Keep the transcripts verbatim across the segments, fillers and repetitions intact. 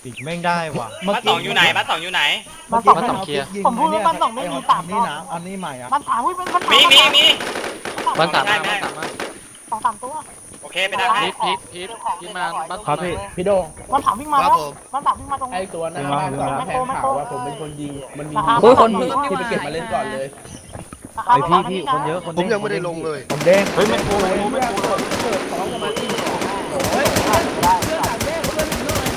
ปิดแม่งได้ว่ะบ้านสองอยู่ไหนบ้านสองอยู่ไหนบ้านสองบ้านสองเคลียร์ผมพูดว่าบ้านสองไม่มีสามนี่นะอันนี้ใหม่อ่ะบ้านสามอุ้ยมันมันมีมีมีบ้านสามมาบ้านสามมาสองสามตัวโอเคไปได้พีทพีทพีทพีทมาบ้านครับพี่พี่โดงบ้านสามวิ่งมาแล้วบ้านสามวิ่งมาตรงไอตัวนั้นบ้านสองแทงข่าวว่าผมเป็นคนยิงมันมีโอ้ยคนที่ไปเก็บมาเล่นก่อนเลยไอพี่พี่คนเยอะคนผมยังไม่ได้ลงเลยผมเด้งเฮ้ยมันโผล่มันโผล่เปิดของกันมาที่เฮ้ยเพื่อนต่างแยกเพื่อนหนึ่งหน่อย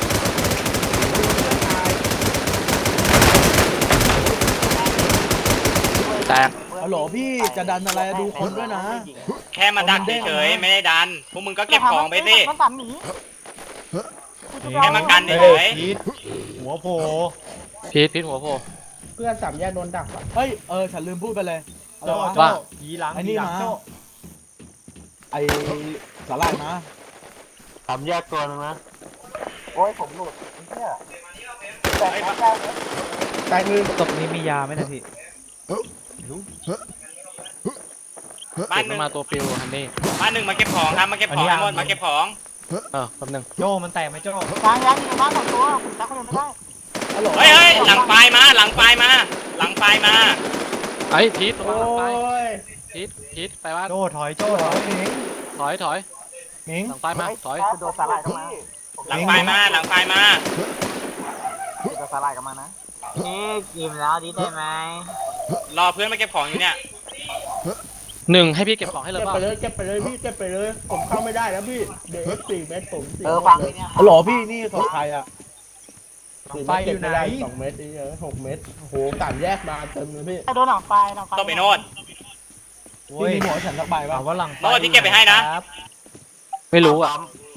แตกฮัลโหลพี่จะดันอะไรดูคนด้วยนะแค่มาดักเฉยๆไม่ได้ดันพวกมึงก็เก็บของไปสิบ้านสามหนีแค่มากันเฉยพีทหัวโผล่พีทพีทหัวโผล่เพื่อนสามแยกโดนดักเฮ้ยเออฉันลืมพูดไปเลยโจ้ว่าโจ้ยีหลังไอ้นี่ยีหลังมาโจ้ไอสาลายมาสามแยกตัวนึงนะโอ้ยผมหลุดเนี่ยแต่แต่มือศพนี้มียาไหมนะพี่ๆบ้านหนึ่งมาตัวปิวฮันนี่บ้านหนึ่งมาเก็บของครับมาเก็บของทั้งหมดมาเก็บของเออแป๊บนึงโจ้มันแตกไหมโจ้ยังยังอยู่บ้านสองตัวผมจับคนเดียวไม่ได้ฮัลโหลเฮ้ยเฮ้ยหลังไฟมาหลังไฟมา หลังไฟมาไอ้พีทโอ้ระวังไปยพีทพีทไปบ้านโจ้ถอยโจ้ถอยหนิงถอยถอยหนิงหลังไฟมาถอยโดนสาลายเข้ามาหลังไฟมาหลังไฟมาโดนสาลายเข้ามานะนี่กินแล้วดีได้ไหมรอเพื่อนมาเก็บของอยู่เนี่ยหนึ่งให้พี่เก็บของให้เลยเก็บเปล่าไปเลยเก็บไปเลยพี่เก็บไปเลยผมเข้าไม่ได้แล้วพี่เดี๋ยวสี่เมตรผมสี่เออฟังเลยเนี่ยฮัลโหลพี่นี่ของใครอ่ะไฟอยู่ไหนสองเมตรนี่เออหกเมตรโอ้โหกานแยกมาเต็มเลยพี่โดนหลังไฟหลังไฟต้องไปโน่นโอ้พี่ยมีหัวฉันสักใบถาป่ะมว่าหลังโน่นที่เก็บไปให้นะครับไม่รู้อ่ะ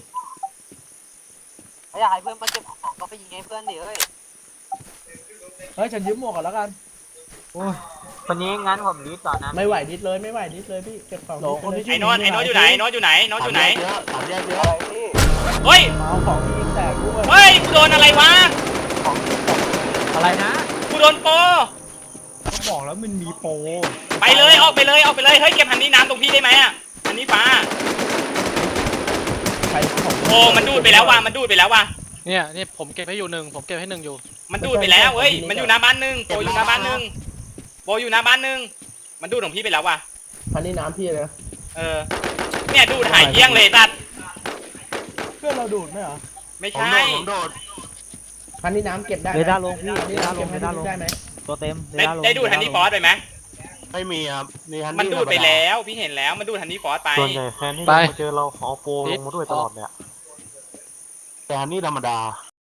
ถ้าอยากให้เพื่อนมาเก็บของก็ไปยิงให้เพื่อนดิเอ้ยเฮ้ยฉันยืมหมวกก่อนแล้วกันโอ้ยคนนี้งั้นผมดีต่อนนะไม่ไหวนิดเลยไม่ไหวนิดเลยพี่เก็บของคนที่ไอ้โน้ตไอ้โน้ตอยู่ไหนโน้ตอยู่ไหนโน้ตอยู่ไหนสามแยกเยอะเฮ้ยมาเอาของที่ยิงแตกด้วยเฮ้ยกูโดนอะไรวะอะไรนะกูโดนโปเขาบอกแล้วมันมีโปรไปเลยออกไปเลยออกไปเลยเฮ้ยเก็บหันนี้น้ำตรงพี่ได้ไหมอ่ะหันนี้ฟ้าใครของโอ้มันดูดไปแล้วว่ะมันดูดไปแล้วว่ะเนี่ยนี่ผมเก็บให้อยู่หนึ่งผมเก็บให้หนึ่งอยู่มันดูดไปแล้วเฮ้ยมันอยู่หน้าบ้านหนึ่งโปอยู่หน้าบ้านหนึ่งโปอยู่หน้าบ้านหนึ่งมันดูดของพี่ไปแล้วว่ะพันนี่น้ำพี่เลยเออเนี่ยดูดหายเกลี้ยงเลยตัดเพื่อนเราดูดไหมเหรอไม่ผมใช่โดดผมโดดพันนี่น้ำเก็บได้เรดาร์ลงพี่พันเรนี่ดาร์น้ำลเก็งบเรดาร์ลงได้ไหมตัวเต็มเรได้ดาร์ลงได้ดูดฮันนี่ฟอสไปไหมไม่มีครับนี่ฮันนี่มันดูดไปแล้วพี่เห็นแล้วมันดูดฮันนี่ฟอสไปส่วนใหญ่แฟนที่ไปมาเจอเราขอโปรลงมาด้วยตลอดเนี่ยแต่ฮันนี่ธรรมดา